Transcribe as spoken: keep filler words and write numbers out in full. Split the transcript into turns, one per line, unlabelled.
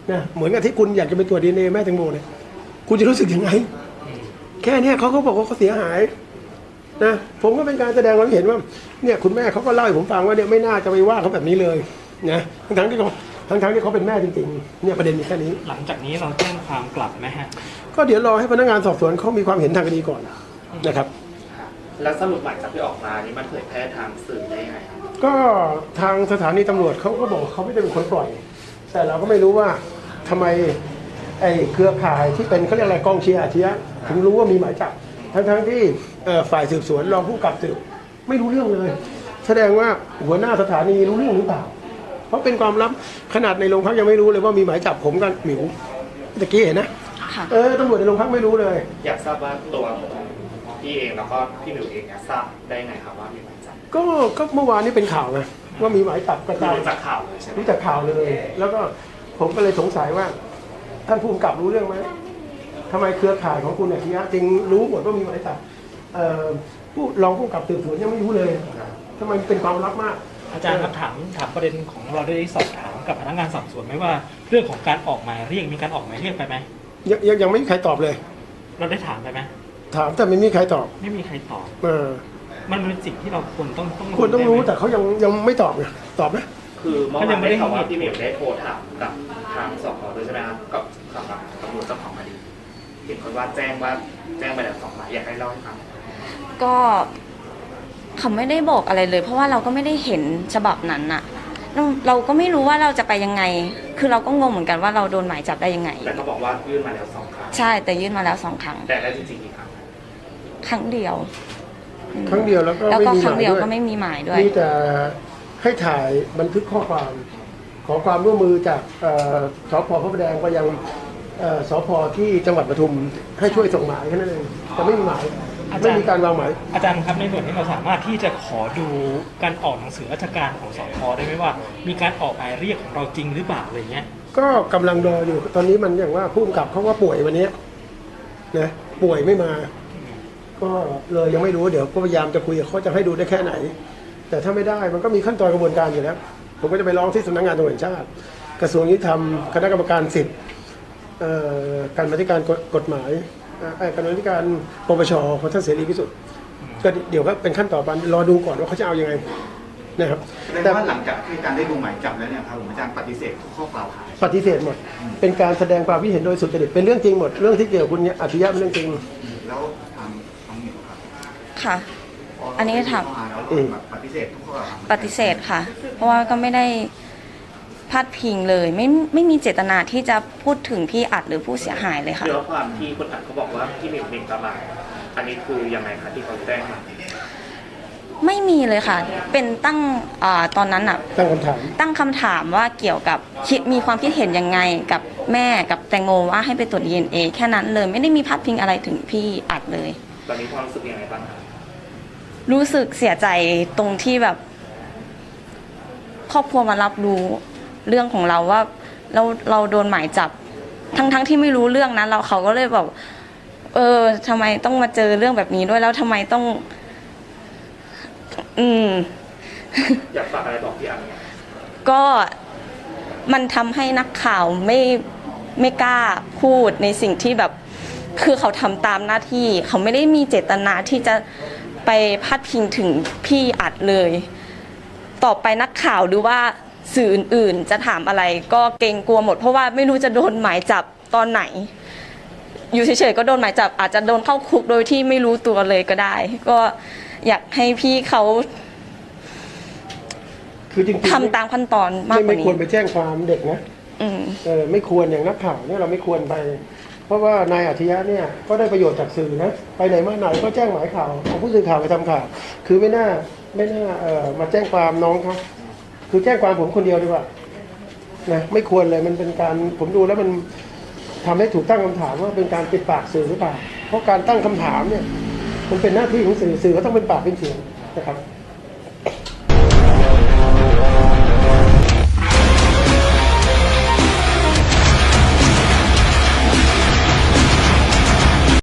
นะเหมือนกับที่คุณอยากจะไปตรวจดีเอ็นเอแม่แตงโมเนี่ยคุณจะรู้สึกยังไงแค่นี้เขาก็บอกว่าเขาเสียหายนะผมก็เป็นการแสดงความเห็นว่าเนี่ยคุณแม่เขาก็เล่าให้ผมฟังว่าเนี่ยไม่น่าจะไปว่าเขาแบบนี้เลยนะทั้งที่เขาทั้งๆที่เขาเป็นแม่จริงๆเนี่ยประเด็นมีแค่นี้
หลังจากนี้เราแจ้งความกลับไหมฮะ
ก็เดี๋ยวรอให้พนักงานสอบสวนเขามีความเห็นทางคดีก่อนนะครับ
แล้วสรุปหมายจับที่ออกมานี่มันเผยแพร่ทางสื่อได้ยังไงครับ
ก็ทางสถานีตำรวจเขาก็บอกเขาไม่ได้เป็นคนปล่อยแต่เราก็ไม่รู้ว่าทำไมไอ้เครือข่ายที่เป็นเขาเรียกอะไรกองเชียร์อาชีพถึงรู้ว่ามีหมายจับทั้งๆที่ฝ่ายสืบสวนรองผู้กำกับสืบไม่รู้เรื่องเลยแสดงว่าหัวหน้าสถานีรู้เรื่องหรือเปล่าเพราะเป็นความลับขนาดในโรงพักยังไม่รู้เลยว่ามีหมายจับผมกันหมิวตะกี้เห็นนะเออตำรวจในโรงพักไม่รู้เลย
อยากทราบว่าตัวของพี่เองแล้วก็พี่หมิวเองเนี่ยทราบได้ไงครับว่ามีหมายจับ
ก็ก็เมื่อวานนี้เป็นข่าวไงว่ามีหมายจับกระจาย
รู้จักข่าวเลยใช่ไหม
รู้จักข่าวเลยแล้วก็ผมก็เลยสงสัยว่าท่านผู้กำกับรู้เรื่องไหมทำไมเครือข่ายของคุณอาชีพจึงรู้หมดว่ามีหมายจับผู้รองผู้กำกับสืบสวนยังไม่รู้เลยทำไมเป็นความลับมาก
อาจารย์ครับถามถามประเด็นของเราได้สอบถามกับพนักงานสอบสวนไหมว่าเรื่องของการออกหมายเรียกมีการออกหมายเรียกไปไหม
ยังยังยังไม่มีใครตอบเลย
เราได้ถามไปไหม
ถามแต่ไม่มีใครตอบ
ไม่มีใครตอบ
เออ
มันเป็นสิ่งที่เราควรต้องต้อง
ควรต้องรู้แต่เขายังยังไม่ตอบไงตอบไหม
คือเมื่อวานได้ข่าวว่าพี่หมิวได้โทรถามกับทางสพด้วยใช่ไหมครับกับสำหรับตำรวจเจ้าของคดีเห็นคนว่าแจ้งว่าแจ้งไปแล้วสองหมายอยากให้เล่าให้ฟัง
ก็เขาไม่ได้บอกอะไรเลยเพราะว่าเราก็ไม่ได้เห็นฉบับนั้นน่ะเราก็ไม่รู้ว่าเราจะไปยังไงคือเราก็งงเหมือนกันว่าเราโดนหมายจับได้ยังไง
แต่เขาบอกว่ายื่นมาแล้วสองครั้ง
ใช่แต่ยื่นมาแล้วสองครั้ง
แต่ได้จริงๆกี่ครั้ง
ครั้งเดียว
ครั้งเดียวแล้วก็
แล้วก็ครั้งเดียวก็ไม่มีหมายด้วย
มีแต่ให้ถ่ายบันทึกข้อความขอความร่วมมือจากสพพระประแดงไปยังสพที่จังหวัดปทุมให้ช่วยส่งหมายแค่นั้นเองแต่ไม่มีหมายไม่มีการวางหมาย
อาจารย์ครับในส่วนนี้เราสามารถที่จะขอดูการออกหนังสือราชการของสพได้ไหมว่ามีการออกหมายเรียกของเราจริงหรือเปล่าอะไรเงี้ย
ก็กำลังรออยู่ตอนนี้มันอย่างว่าผู้กำกับเขาว่าป่วยวันนี้นะป่วยไม่มาก็เลยยังไม่รู้เดี๋ยวก็พยายามจะคุยกับเขาจะให้ดูได้แค่ไหนแต่ถ้าไม่ได้มันก็มีขั้นตอนกระบวนการอยู่แล้วผมก็จะไปร้องที่สำนักงานตำรวจแห่งชาติกระทรวงยุติธรรมคณะกรรมการสิทธิ์การบัญชีการกฎหมายการบัญชีการปปชของท่านเสรีพิสุทธิ์ก็เดี๋ยวก็เป็นขั้นต่อไปรอดูก่อนว่าเขาจะเอายังไงนะครับ
แต่ว่าหลังจากที่การได้ดูหมายจับแล้วเนี่ยครับผมอาจารย์ปฏิเสธทุกข้อกล่าวหา
ปฏิเสธหมดเป็นการแสดงความคิดเห็นโดยสุจริตเป็นเรื่องจริงหมดเรื่องที่เกี่ยวกับคุณอัจฉริยะเป็นเรื่องจริง
แล้วทางทางหมิวครับ
ค่ะอันนี้ถาม
ปฏิเสธทุกข้อกล่าวหา
ปฏิเสธค่ะเพราะว่าก็ไม่ได้พาดพิงเลยไม่ไม่มีเจตนาที่จะพูดถึงพี่อัดหรือผู้เสียหายเลยค่ะ
เรื่องความที่คนอัดเขาบอกว่าพี่หมิวหมิ่นประมาทอันนี้คือยังไงคะที่เขาแจ้งมา
ไม่มีเลยค่ะเป็นตั้งอ่าตอนนั้นอ่ะ
ตั้งคำถาม
ตั้งคำถามว่าเกี่ยวกับคิดมีความคิดเห็นยังไงกับแม่กับแตงโมว่าให้ไปตรวจ ดี เอ็น เอ แค่นั้นเลยไม่ได้มีพาดพิงอะไรถึงพี่อัดเลย
ตอนนี้ความรู้สึกยังไงบ้างคะ
รู้สึกเสียใจตรงที่แบบครอบครัวมารับรู้เรื่องของเราว่าเราเราโดนหมายจับทั้งทั้งที่ไม่รู้เรื่องนั้นเราเขาก็เลยบอกเออทำไมต้องมาเจอเรื่องแบบนี้ด้วยแล้วทำไมต้องอืม
อยากฝากอะไรบอกพี่อัน
ก็มันทำให้นักข่าวไม่ไม่กล้าพูดในสิ่งที่แบบคือเขาทำตามหน้าที่เขาไม่ได้มีเจตนาที่จะไปพาดพิงถึงพี่อัดเลยต่อไปนักข่าวหรือว่าสื่ออื่นๆจะถามอะไรก็เกรงกลัวหมดเพราะว่าไม่รู้จะโดนหมายจับตอนไหนอยู่เฉยๆก็โดนหมายจับอาจจะโดนเข้าคุกโดยที่ไม่รู้ตัวเลยก็ได้ก็อยากให้พี่เขา
คือจริงๆ
ทำตามขั้นตอนมากกว่านี้
ไม่ควรไปแจ้งความเด็กนะเออไม่ควรอย่างนักข่าวเนี่ยเราไม่ควรไปเพราะว่านายอัจฉริยะเนี่ยก็ได้ประโยชน์จากสื่อนะไปไหนมาไหนก็แจ้งหมายข่าวเอาผู้สื่อข่าวไปทำข่าวคือไม่น่าไม่น่าเอ่อมาแจ้งความน้องเขาคือแจ้งความผมคนเดียวดีกว่านะไม่ควรเลยมันเป็นการผมดูแล้วมันทำให้ถูกตั้งคำถามว่าเป็นการปิดปากสื่อหรือเปล่าเพราะการตั้งคำถามเนี่ยมันเป็นหน้าที่ของสื่อสื่อก็ต้องเป็นปากเป็นเสียงนะครับ